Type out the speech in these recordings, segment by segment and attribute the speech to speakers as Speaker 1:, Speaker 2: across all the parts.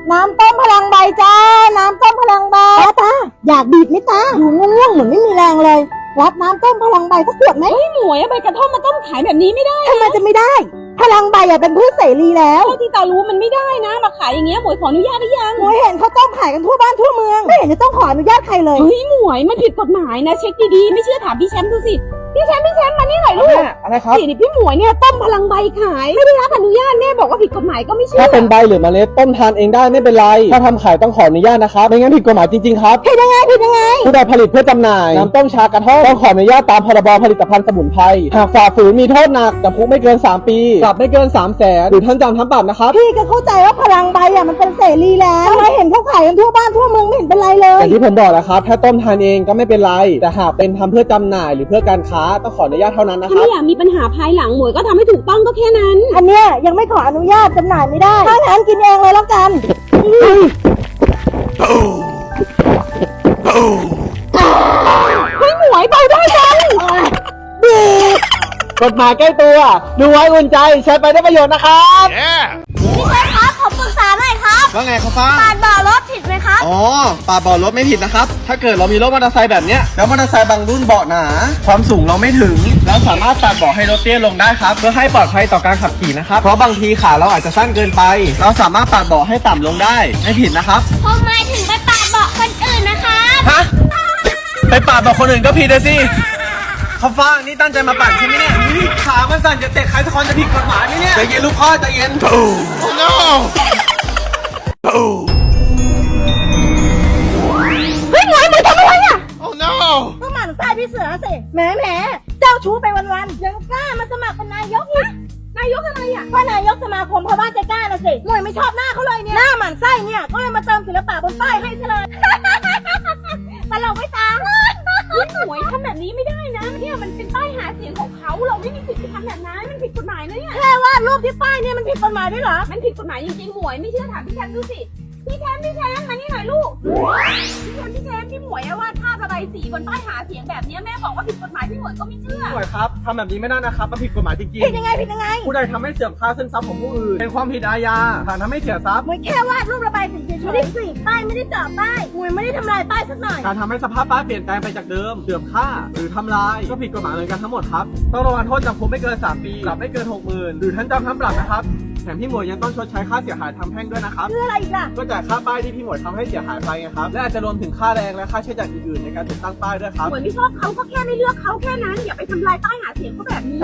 Speaker 1: น้ำต้มพลังใบจ้าน้ำต้มพลังใบตาอยากบีบไหมตาดูง่วงๆเหมือนไม่มีแรงเลยรับน้ำต้มพลังใบสักขวดไหม
Speaker 2: หมวยใบกระท่อมมาต้มขายแบบนี้ไม่ได้
Speaker 1: ทำไมจะไม่ได้พลังใบเป็นพืชเสรีแล้ว
Speaker 2: ที่ตารู้มันไม่ได้นะมาขายอย่างเงี้ยหมวยขออนุญาตหรือยัง
Speaker 1: หมวยเห็นเขาต้มขายกันทั่วบ้านทั่วเมืองไม่เห็นจะต้องขออนุญาตใครเลย
Speaker 2: เฮ้ยหมวยมันผิดกฎหมายนะเช็คดีๆไม่เชื่อถามพี่แชมป์ดูสิพี่แชมป์มานี่หน่อยลูก
Speaker 3: อะไรครับ
Speaker 2: นี่พี่หมวยเนี่ยต้มพลังใบขายไม่ได้รับอนุญาตแม่บอกว่าผิดกฎหมายก็ไม่เชื่อ
Speaker 3: ถ้าเป็นใบหรือเมล็ดต้มทานเองได้ไม่เป็นไรถ้าทำขายต้องขออนุญาตนะครับไม่งั้นผิดกฎหมายจริงๆครับ
Speaker 1: ผิดยังไง
Speaker 3: ผู้ใดผลิตเพื่อจำหน่ายน้ำต้มชากระท่อมต้องขออนุญาตตามพรบผลิตภัณฑ์สมุนไพรหากฝ่าฝืนมีโทษหนักจำคุกไม่เกิน3 ปีปรับไม่เกิน300,000หรือทั้งจำทั้งปรับนะครับ
Speaker 1: พี่ก็เข้าใจว่าพลังใบมันเป็นเสรีแล้วทำไมเห็นเขาขายกันทั่วบ้านทั่วเมืองไม่เห็นเป็นไรเลย
Speaker 3: อย่างที่ผมบอกแล้วครับถ้าต้มทานเองก็ไม่เป็นไรแต่หากเป็นทำเพื่อจำหน่ายหรือเพื่อการค้าต้องขออนุญาตเท่านั้นนะครับ
Speaker 2: ถ้าไม่อยากมีปัญหาภายหลังหมวยก็ทำให้ถูกต้องก็แค่นั้น
Speaker 1: อันเนี้ยยังไม่ขออนุญาตจำหน่ายไม่ได้ถ้างั้นกินเองเลยแล้วกัน
Speaker 2: เฮ้ยหมวยเบาได้จัง
Speaker 1: บีบ
Speaker 3: กฎหมายใกล้ตัวดูไว้อุ่นใจใช้ไปได้ประโยชน์นะครับ
Speaker 4: พี่เชฟครับผมปรึกษาหน่อยครับ
Speaker 3: ว่าไงครับฟ้า
Speaker 4: ปาดเบาะรถผิดไหมครับ
Speaker 3: อ๋อปาดเบาะรถไม่ผิดนะครับถ้าเกิดเรามีรถมอเตอร์ไซค์แบบเนี้ยแล้วมอเตอร์ไซค์บางรุ่นเบาะหนาความสูงเราไม่ถึงแล้วสามารถปาดเบาะให้รถเตี้ยลงได้ครับเพื่อให้ปลอดภัยต่อการขับขี่นะครับเพราะบางทีขาเราอาจจะสั้นเกินไปเราสามารถปาดเบาะให้ต่ำลงได้ไม่ผิดนะครับ
Speaker 4: ผมหมายถึงไปปาดเบาะคนอื่นนะครับ
Speaker 3: ฮะไปปาดเบาะคนอื่นก็ผิดเลยสิเขาฟ้านี่ตั้งใจมาปั่นใช่ไหมเนี่ยขามันสั่นจะเตะใครสักคนจะผิดกฎหมายไหมเนี่ยใจเย็นลูกพ่อใจเย็นโอ้ no
Speaker 1: เฮ้ยหมวยทำอะไรอ่ะ
Speaker 3: oh no
Speaker 1: ก็หมั่นไส้พี่เสือสิแหมเจ้าชู้ไปวันๆยังกล้ามาสมัครเป็นนายกนะนายกอะไรอ่ะก็นายกสมาคมพ่อบ้านใจกล้าน่ะสิหมวยไม่ชอบหน้าเขาเลยเนี่ยหน้าหมั่นไส้เนี่ยก็เลยมาเติมศิลปะบนป้ายให้ซะเลยตลกไม่ตาม
Speaker 2: หมวยทำแบบนี้ไม่ได้นะเนี่ยมันเป็นป้ายหาเสียงของเขาเราไม่มีสิทธิ์ไปทำแบบนั้นมันผิดกฎหมายนะเนี่ย
Speaker 1: แค่วาดรูปที่ป้ายเนี่ยมันผิดกฎหมายด้วยเหรอ
Speaker 2: มันผิดกฎหมายจริงๆหมวยไม่เชื่อถามพี่แชมป์ดูสิพี่แชมป์มานี่หน่อยลูกพี่แชมป์พี่หมวยวาดภาพระบายสีบนป้ายหาเสียงแบบนี้แม่บอกว่าผิดกฎหมายพี่หมวยก็ไม่เชื่อ
Speaker 3: หมวยครับทำแบบนี้ไม่ได้นะครับมันผิดกฎหมายจริงๆ
Speaker 1: ผิดยังไง
Speaker 3: ผู้ใดทำให้เสื่อมค่าสินทรัพย์ของผู้อื่นเป็นความผิดอาญาฐานทำให้เสียทรัพย์
Speaker 1: หมวยแค่วาดรูประบายสีเฉยๆไม่ได้สีป้ายไม่ได้เจาะป้ายหมวยไม่ได้ทำลายป้ายสักหน่อย
Speaker 3: การทำให้สภาพป้ายเปลี่ยนแปลงไปจากเดิมเสื่อมค่าหรือทำลายก็ผิดกฎหมายเหมือนกันทั้งหมดครับต้องระวังโทษจำคุกไม่เกิน3 ปีปรับไม่เกิน60,000หรือทั้งจำทั้งปรับนะครับแถมพี่หมวยยังต้องชดใช้ค่าเสียหายทางแพ่งด้วยนะครับ
Speaker 1: คืออะไรอีกล่ะ
Speaker 3: ก็จ่ายค่าป้ายที่พี่หมวยทำให้เสียหายไปไงครับและอาจจะรวมถึงค่าแรงและค่าใช้จ่ายอื่นๆในการติดตั้งป้ายด้วยครับ
Speaker 2: หมวยไม่ชอบเขาก็แค่ไม่เลือกเขาแค่นั้นอย่าไปทำลายป้ายหาเสียงเขาแบบนี้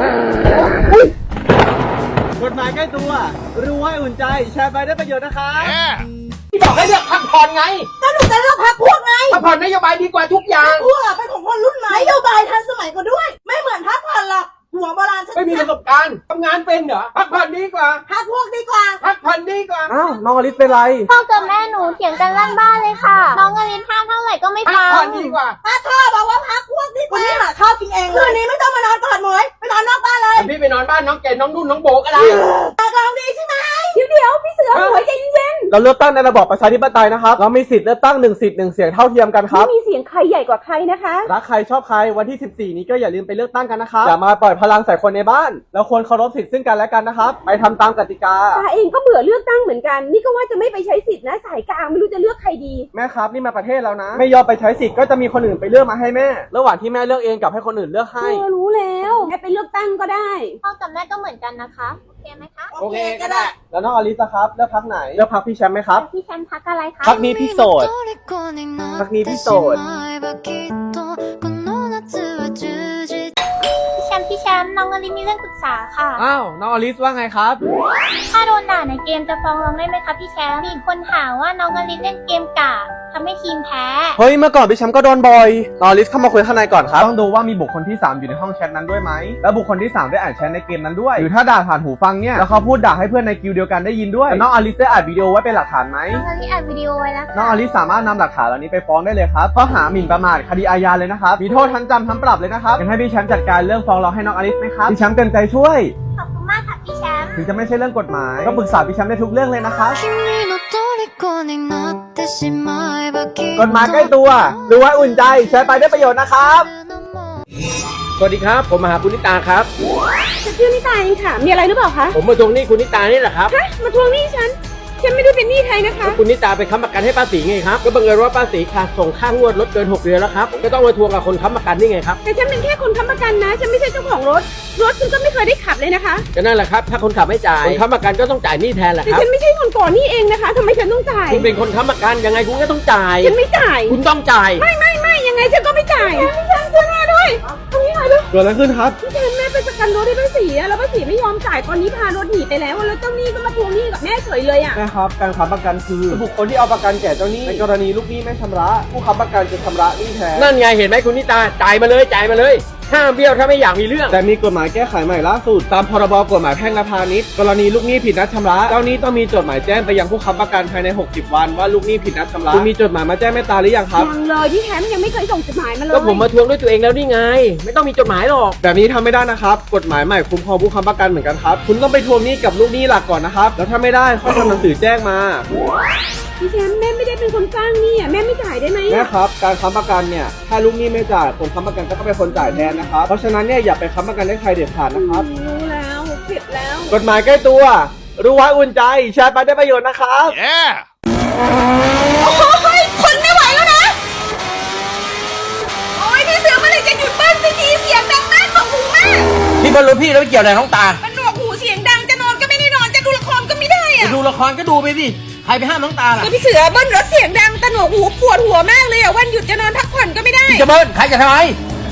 Speaker 3: กฎหมายใกล้ตัวรู้ให้อุ่นใจแชร์ไปได้ประโยชน์นะครับที่บอกให้เลือกพรรคผ่อนไง
Speaker 1: ก็หนูจะเลือกพรรคพวกไง
Speaker 3: พรรคผ่อนนโยบายดีกว่าทุกอย่าง
Speaker 1: พวกเป็นของคนรุ่นใหม่นโยบายทันสมัยกว่าด้วยไม่เหมือนพรรคผ่อนหรอกหัวโบราณ
Speaker 3: ไม่มีประสบการณ์ทำงานเป็นเหรอพรรคผ่อนดีกว่า
Speaker 1: พรรคพวกดีกว่า
Speaker 3: พรรคผ่อนดีกว่าอ้าวน้องอลิสเป็นไร
Speaker 4: พ่อกับแม่หนูเถียงกันลั่นบ้านเลยค่ะน้องอลิสห้ามเท่าไหร่ก็ไม่ฟัง
Speaker 3: พรรคผ่อนดีกว่า
Speaker 1: ถ้าพ่อบอกว่าพรรคพวกดีกว่าวันนี้หาข้าวกินเองคืนนี้ไม่ต้องมานอนกอดหมวยไปนอนนอกบ้านเลย
Speaker 3: พี่ไปนอนบ้านน้องเกดน้องนุ่นน้องโบก็ได้
Speaker 1: ลองดีใช่ไหม
Speaker 2: เดี๋ยวพี่เสือหมวยใจเย็น
Speaker 3: เราเลือกตั้งในระบอบประชาธิปไตยนะครับเรามีสิทธิ์เลือกตั้ง1 สิทธิ์1 เสียงเท่าเทียมกันครับ
Speaker 2: ไม่มีเสียงใครใหญ่กว่าใครนะคะ
Speaker 3: รักใครชอบใครวันที่14นี้ก็อย่าลืมไปเลือกตั้งกันนะครับอย่ามาปล่อยพลังใส่คนในบ้านเราควรเคารพสิทธิ์ซึ่งกันและกันนะครับไปทำตามกติกา
Speaker 2: ตาเองก็เบื่อเลือกตั้งเหมือนกันนี่ก็ว่าจะไม่ไปใช้สิทธิ์นะสายกลางไม่รู้จะเลือกใครดี
Speaker 3: แม่ครับนี่มาประเทศแล้วนะไม่ยอมไปใช้สิทธิ์ก็จะมีคนอื่นไปเลือกมาให้แม่ระหว่างที่แม่เลือกเองกับให้คนอื่นเลือกให้
Speaker 2: รู้แล้วแม่ไปเลือกตั้งก็ได้
Speaker 4: พ่อกับแม่ก็เหมือนกันนะคะโอเคไหมคะ
Speaker 3: โอเคก็ได้แล้วน้องอลิซครับเลือกพรรคไหนเลือกพรรคพี่แชมป์ไหมครับ
Speaker 4: พี่แชมป์พรรคอะไรคะ
Speaker 3: พรรคนี้พี่โสดพรรคนี้พี่โสด
Speaker 4: พี่แชมป์น้องอลิสมีเรื่องปรึกษาค่ะ
Speaker 3: อ้าวน้องอลิสว่าไงครับ
Speaker 4: ถ้าโดนด่าในเกมจะฟ้องร้องได้ไหมคะพี่แชมป์มีคนหาว่าน้องอลิสเล่นเกมกากทำให้ทีมแพ้
Speaker 3: เฮ้ยเมื่อก่อนพี่แชมป์ก็โดนบ่อยน้องอลิสเข้ามาคุยข้างในก่อนครับต้องดูว่ามีบุคคลที่3อยู่ในห้องแชทนั้นด้วยไหมแล้วบุคคลที่3ได้อ่านแชทในเกมนั้นด้วยหรือถ้าด่าผ่านหูฟังเนี่ยแล้วเขาพูดด่าให้เพื่อนในกิลด์เดียวกันได้ยินด้วยน้องอลิสได้อัดวิดีโอไว้เป็นหลักฐานไหม
Speaker 4: น้องอลิสอัดวิดีโอไว้แล้ว
Speaker 3: น้องอลิสสามารถนำหลักฐานเหล่านี้ไปฟ้องได้เลยครับข้อหาหมิ่นประมาทคดีอาญาเลยนะครับมีโทษทั้งจำทั้งปรับเลยนะครับงั้นให้พี่แชมป์จัดการเรื่องฟ้องร้องให้น้องอลิสไหมครับพี่แชมป์เต็มใจช่วย
Speaker 4: ขอบคุณมากค่ะพี่แชมป์
Speaker 3: ถึงจะไม่ใช่เรื่องกฎหมายก็ปรึกษาพี่แชมป์ได้ทุกเรื่องเลยนะครับกฎหมายใกล้ตัวรู้ไว้อุ่นใจใช้ไปได้ประโยชน์นะครับสวัสดีครับผมมาหาคุณนิตาครับ
Speaker 2: ชื่อนิตาเองค่ะมีอะไรหรือเปล่าคะ
Speaker 3: ผมมาทวงหนี้คุณนิตานี่แหละครับ
Speaker 2: ฮะมาทวงหนี้ฉันฉันไม่ได้เป็นหนี้ใครนะคะ
Speaker 5: คุณนิตาไปค้ำประกันให้ป้าศรีไงครับก็บังเอิญว่าป้าศรีขาดส่งค่างวดรถเกิน6 เดือนแล้วครับก็ต้องมาทวงกับคนค้ำประกันนี่ไงครับ
Speaker 2: แต่ฉันเป็นแค่คนค้ำประกันนะ ฉันไม่ใช่เจ้าของรถฉันก็ไม่เคยได้ขับเลยนะคะ
Speaker 5: ก็นั่นแหละครับถ้าคนขับไม่จ่ายคนค้ำประกันก็ต้องจ่ายหนี้แทนแหละ
Speaker 2: แต่
Speaker 5: ครับ
Speaker 2: ฉันไม่ใช่คนก่อนหนี้เองนะคะทำไมฉันต้องจ่าย
Speaker 5: คุณเป็นคนค้ำประกันยังไงคุณก็ต้องจ่าย
Speaker 2: ฉันไม่จ่าย
Speaker 5: คุณต้องจ่าย
Speaker 2: ไม่ยังไงฉันก็ไม่จ่ายพี่แชมป์ช่วยแม่ด้วยตรงนี้หน่อยลูก
Speaker 3: เกิดอะไรขึ้นครับ
Speaker 2: พี่แชมป์แม่ไปประกันรถให้ป้าศรีอะแล้วป้าศรีไม่ยอมจ่ายตอนนี้พารถหนีไปแล้วแล้วเจ้าหนี้ก็มาทวงหนี้กับแม่เฉยเลยอะ
Speaker 3: แม่ครับการค้ำประกันคือบุคคลที่เอาประกันแก่เจ้าหนี้ในกรณีลูกหนี้ไม่ชำระผู้ค้ำประกันจะชำระหนี้แทน
Speaker 5: นั่นไงเห็นไหมคุณนิตาจ่ายมาเลยห้ามเบี้ยวถ้าไม่อยากมีเรื่อง
Speaker 3: แต่มีกฎหมายแก้ไขใหม่ล่าสุดตามพรบกฎหมายแพ่งและพาณิชย์กรณีลูกหนี้ผิดนัดชำระเจ้าหนี้ต้องมีจดหมายแจ้งไปยังผู้ค้ำประกันภายใน60 วันว่าลูกหนี้ผิดนัดชำระคุณมีจดหมายมาแจ้งแม่ตาหรือยังครับ
Speaker 2: ยังเลยพี่แชมป์ยังไม่เคยส่งจดหมายมาเลย
Speaker 5: ก็ผมมาทวงด้วยตัวเองแล้วนี่ไง ไม่ต้องมีจดหมายหรอก
Speaker 3: แบบนี้ทำไม่ได้นะครับกฎหมายใหม่คุ้มครองผู้ค้ำประกันเหมือนกันครับคุณต้องไปทวงหนี้กับลูกหนี้หลักก่อนนะครับแล้วถ้าไม่ได้ค่อยทำหนังสือแจ้งมา
Speaker 2: พี่แชมป์แม่ไม่ได้เป็นคนสร้างหนี้อะแม่ไม่จ่ายได้ไหม
Speaker 3: แม่ครับการค้ำประกันเนี่ยถ้าลูกหนี้ไม่จ่ายคนค้ำประกันก็ต้องเป็นคนจ่ายแทนนะครับเพราะฉะนั้นเนี่ยอย่าไปค้ำประกันให้ใครเด็ดขาดนะครับ
Speaker 2: รู้แล้วผิดแล้ว
Speaker 3: กฎหมายใกล้ตัวรู้ไว้อุ่นใจแชร์ไปได้ประโยชน์นะครับ
Speaker 2: โอ้ยคนไม่ไหวแล้วนะ โอ้ยพี่เสือเมื่อไหร่จะหยุดเบิ้ลสักทีเสียงดังมากของหูมาก
Speaker 5: พี่บอลรถพี่แล้วไม่เกี่ยวอะไรน้องตา
Speaker 2: มันหนวกหูเสียงดังจะนอนก็ไม่ได้นอนจะดูละครก็ไม่ได้อะ
Speaker 5: จะดูละครก็ดูไปสิใครไปห้ามน้องตาล่ะ
Speaker 2: ก็พี่เสือเบิ้ลรถเสียงดังแต่หนวกหูปวดหัวมากเลยอะวันหยุดจะนอนพักผ่อนก็ไม่ได้
Speaker 5: พี่จะเบิ้ลใครจะทำไม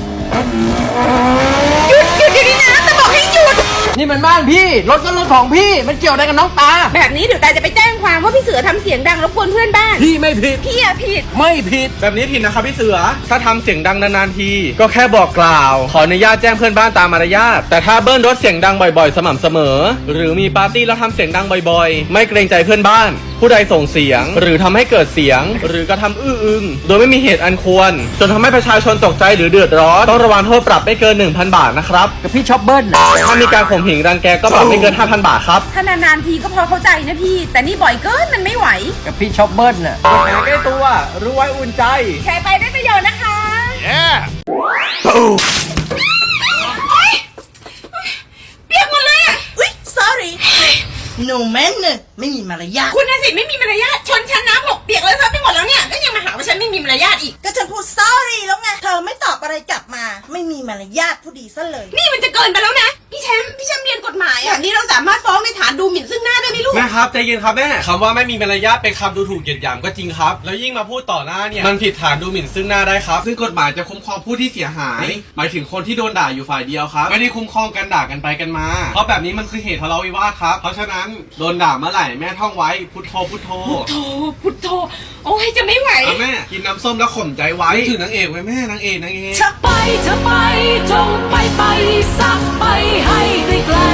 Speaker 2: หยุดเดี๋ยวนี้นะจะบอกให้หยุด
Speaker 5: นี่มันบ้านพี่รถก็รถของพี่มันเกี่ยวอะไรกับน้องตา
Speaker 2: แบบนี้เดี๋ยวตาจะไปแจ้งความว่าพี่เสือทำเสียงดังรบกวนเพื่อนบ้าน
Speaker 5: พี่ไม่ผิด
Speaker 2: พี่อะผิด
Speaker 5: ไม่ผิด
Speaker 3: แบบนี้ผิดนะครับพี่เสือถ้าทำเสียงดังนานๆทีก็แค่บอกกล่าวขออนุญาตแจ้งเพื่อนบ้านตามมารยาทแต่ถ้าเบิ้ลรถเสียงดังบ่อยๆ สม่ำเสมอ หรือมีปาร์ตี้แล้วทำเสียงดังบ่อยๆ ไม่เกรงใจเพื่อนบ้าน ผู้ใดส่งเสียง หรือทำให้เกิดเสียง หรือกระทำอื้ออึงโดยไม่มีเหตุอันควร จนทำให้ประชาชนตกใจหรือเดือดร้อนต้องระวังโทษปรับไม่เกิน 1,000 บาทนะครับ
Speaker 5: กับพี่ชอบเบิ้ล
Speaker 3: ถ้ามีการข่มเหงรังแกก็ปรับไม่เกิน 5,000 บาทครับ
Speaker 2: ถ้านานๆทีก็พอเข้าใจนะพี่ แต่นี่บ่อยเกินมันไม่ไหว
Speaker 5: กับพี่ชอบเบิ้ลน่ะ
Speaker 3: กฎหมายใกล้ตัวรู้ไว้อุ่นใจ
Speaker 2: แชร์ไปได้ประโยชน์นะคะ เปียกหมดเลยอะ
Speaker 1: อุ๊ย sorry หนูแม่นเนอะไม่มีมารยาท
Speaker 2: คุณน่ะสิไม่มีมารยาทชนชั้นน้ำหกเปียกเลยครับไปหมดแล้วเนี่ย ก็ยังมาหาว่าฉันไม่มีมารยาทอีก
Speaker 1: ก็ฉันพูด sorry แล้วไง เธอไม่ตอบอะไรกลับมา ไม่มีมารยาทผู้ดีซะเลย
Speaker 2: นี่มันจะเกินไปแล้วนะ พี่แชมป์เรียนกฎหมายแบบนี้เราสามารถฟ้องในฐานดูหมิ่นซึ่งหน้าได้ไหมลูก
Speaker 3: แม่ครับใจเย็นครับแม่คำว่าไม่มีมารยาทเป็นคำดูถูกเหยียดหยามก็จริงครับแล้วยิ่งมาพูดต่อหน้าเนี่ยมันผิดฐานดูหมิ่นซึ่งหน้าได้ครับซึ่งกฎหมายจะคุ้มครองผู้ที่เสียหายหมายถึงคนที่โดนด่าอยู่ฝ่ายเดียวครับไม่ได้คุ้มครองกันด่ากันไปกันมาเพราะแบบนี้มันคือเหตุทะเลาะวิวาทครับเพราะฉะนั้นโดนด่าเมื่อไหร่แม่ท่องไว้พุทโธพุทโธ
Speaker 2: พุทโธโอ้ยจะไม่ไหว
Speaker 3: แม่กินน้ำส้มแล้วข่มใจไว้ถึงนางเอกไว้แม่นางเอก
Speaker 6: ไปเธอไปจงไปสักไปให้ไกล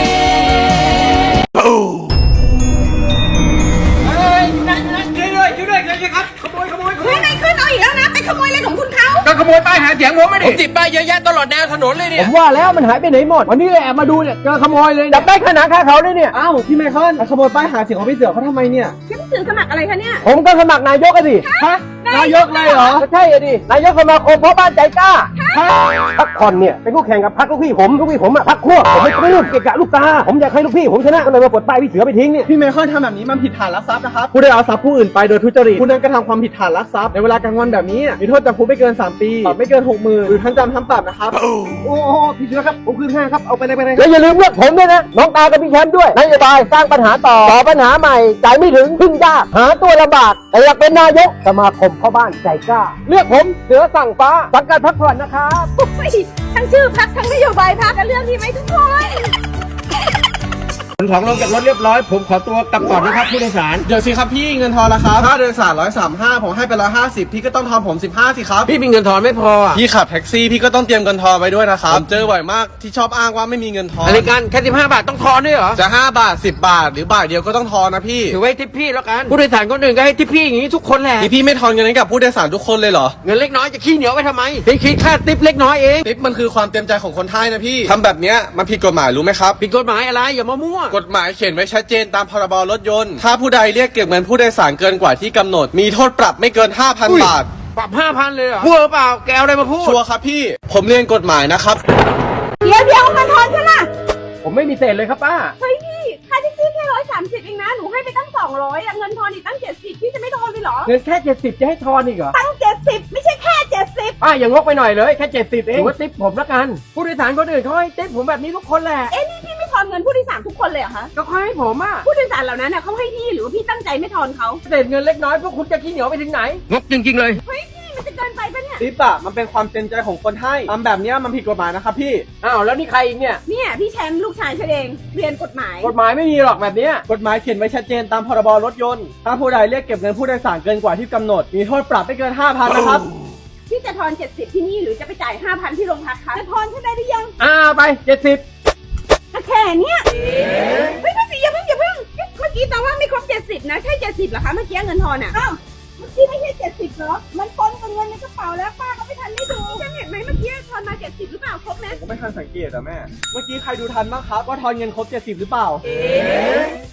Speaker 2: เฮ้ยนายขึ้นเอาอีกแล้วนะ ไปขโมยอะไรของคุณเขา
Speaker 5: ก็ขโมยป้ายหาเสียงผมไม่ได้ผมติดป้ายเยอะแยะตลอดแนวถนนเลยเนี่ยผมว่าแล้วมันหายไปไหนหมดวันนี้เลยแอบมาดูเนี่ยเจอขโมยเลยจับได้ขนาดค่าเขาเลยเนี่ย
Speaker 3: อ้าวพี่ไมเคิลขโมยป้ายหาเสียงของพี่เสือเขาทำไมเนี่ย
Speaker 2: พี่เสือสมัครอะไรคะเนี่ย
Speaker 5: ผมก็สมัครนายกอะดิ
Speaker 3: ฮะนายกเลยเหรอ
Speaker 5: ก็ใช่อะดินายกสมาคมพ่อบ้านใจกล้าพักผ่อนเนี่ยเป็นคู่แข่งกับพักลูกพี่ผมอะพักขั้วผมไม่ปลื้มเกะกะลูกตาผมอยากให้ลูกพี่ผมชนะก็เลยมาปลดป้ายพี่เสือไปทิ้งเนี่ย
Speaker 3: พี่ไมเคิลทำแบบนี้มันผิดฐานลักทรัพย์นะครับผู้ใดเอาทรัพย์ผู้อื่นไปโดยทุจริตผู้นั้นกระทำความผิดฐานลักทรัพย์ในเวลากลางวันแบบนี้มีโทษจำคุกไม่เกิน3 ปีปรับไม่เกิน 60,000หรือทั้งจำทั้งปรับนะครับ
Speaker 5: โอ้พี่เสือครับผมคืนให้ครับเอาไปเลยแล้วอย่าลืมเลือกผมด้วยนะน้องตากับพี่แชมป์ด้วยนโยบายสร้างปัญหาต่อปัญหาใหม่จ่ายไม่ถึงพึ่งยากหาตัวลำบากแต่อยากเป็นนายกสมาคมพ่อบ้านใจกล้าเลือกผมเสือสั่งฟ้าสังกัดพักผ่อนนะครับ
Speaker 2: โอ้ยทั้งชื่อพักทั้งนโยบายพักกันเรื่องที่ไหมทุกคน
Speaker 5: ขนของลงจากรถเรียบร้อยผมขอตัวกลับก่อนนะครับผู้โดยสาร
Speaker 3: เดี๋ยวสิครับพี่เงินทอนละครับค่าโดยสาร135ผมให้ไป150พี่ก็ต้องทอนผม15สิครับ
Speaker 5: พี่มีเงินทอนไม่พออ่ะ
Speaker 3: พี่ขับแท็กซี่พี่ก็ต้องเตรียมเงินทอนไว้ด้วยนะครับผมเจอบ่อยมากที่ชอบอ้างว่าไม่มีเงินทอน
Speaker 5: อะไรกันแค่15 บาทต้องทอนด้วยเหรอ
Speaker 3: จะ5 บาท10 บาทหรือบาทเดียวก็ต้องทอนนะพี่
Speaker 5: ถือไว้ทิปพี่แล้วกันผู้โดยสารคนอื่นก็ให้ทิปพี่อย่างนี้ทุกคนแหละ
Speaker 3: นี่พี่ไม่ทอนเงินให้กับผู้โดยสารทุกคนเลยเหรอ
Speaker 5: เงินเล็กน้อยจะขี้เหนียวไปทำไมพี่คิดค่าทิปเล็กน้อยเอง
Speaker 3: ทิปมันคือความเต็มใจของคนไทยนะพี่ทำแบบเนี้ยมันผิดกฎหมายรู้ไหมครับ
Speaker 5: ผิดกฎหมายอะไรอย่ามามั่ว
Speaker 3: กฎหมายเขียนไว้ชัดเจนตามพรบรถยนต์ถ้าผู้ใดเรียกเก็บเงินผู้โดยสารเกินกว่าที่กำหนดมีโทษปรับไม่เกิน 5,000 บาท
Speaker 5: ปรับ 5,000 เลยเหรอมั่วหรือเปล่าแกเอาอะไรมาพูด
Speaker 3: ชัวร์ครับพี่ผมเรียนกฎหมายนะครับ
Speaker 2: เดี๋ยวมาทอนฉันล่ะ
Speaker 5: ผมไม่มีเศษเลยครับป้า
Speaker 2: เฮ้ยพี่ค่าแท็กซี่แค่ 30เองนะหนูให้ไปตั้ง200อะเงินทอนอีกตั้ง70พี่จะไม่ทอนเลยเหรอ
Speaker 5: เงินแค่70จะให้ทอนอีกเหรอ
Speaker 1: ตั้ง70ไม่ใช่แค่70
Speaker 5: ป้าอย่างงกไปหน่อยเลยแค่70เองถือว่าติ๊บผมละกันผู้โดยสารคนอื่นเขาให้ติ๊บผมแบบนี้ทุกคนแหละ
Speaker 2: พี่ไม่ทอนเงินผู้โดยสารทุกคนเลยเหรอคะ
Speaker 5: ก็เขาให้ผมอ่ะ
Speaker 2: ผู้โดยสารเหล่านั้นน่ะเขาให้พี่หรือว่าพี่ตั้งใจไม่ทอนเขา
Speaker 5: เศษเงินเล็กน้อยพวกคุณจะขี้เหนียวไปถึงไหนงกจริงๆเลย
Speaker 2: เฮ้ยพี่มันจะเกินไปปะเนี่ย
Speaker 3: ทิปอะมันเป็นความเต็มใจของคนให้ทำแบบเนี้ยมันผิดกฎหมายนะครับพี่
Speaker 5: อ้าวแล้วนี่ใครอีกเนี่ย
Speaker 2: เนี่ยพี่แชมป์ลูกชายฉันเองเรียนกฎหมาย
Speaker 5: กฎหมายไม่มีหรอกแบบเนี้ย
Speaker 3: กฎหมายเขียนไว้ชัดเจนตามพรบรถยนต์ ถ้าผู้ใดเรียกเก็บเงินผู้โดยสารเกินกว่าที่กำหนด มีโทษปรับไม่เกิน 5,000 นะครับ
Speaker 2: พี่จะทอน70ที่นี่หรือจะไปจ่าย 5,000ที่โรงพักคะจะทอนฉันได้หรือยัง
Speaker 5: ไป70
Speaker 2: ก็แค่เนี้ยเฮ้ยพี่อย่าเพิ่งเมื่อกี้แต่ว่าไม่ครบ70นะใช่70เหรอคะเมื่อกี้เงินทอนอ่ะ
Speaker 1: อ้าวเมื่อกี้ไม่ใช่70เหรอมันปนกับเงินในกระเป๋าแล้วป้าก็ไม่ทันได้ดู
Speaker 2: ฉันเห็นไหมเมื่อกี้ทอนมา70หรือเปล่าครบไหม
Speaker 3: ผมก็ไม่ทันสังเกตอะแม่ เมื่อกี้ใครดูทันบ้างครับว่าทอนเงินครบ 70 หรือเปล่า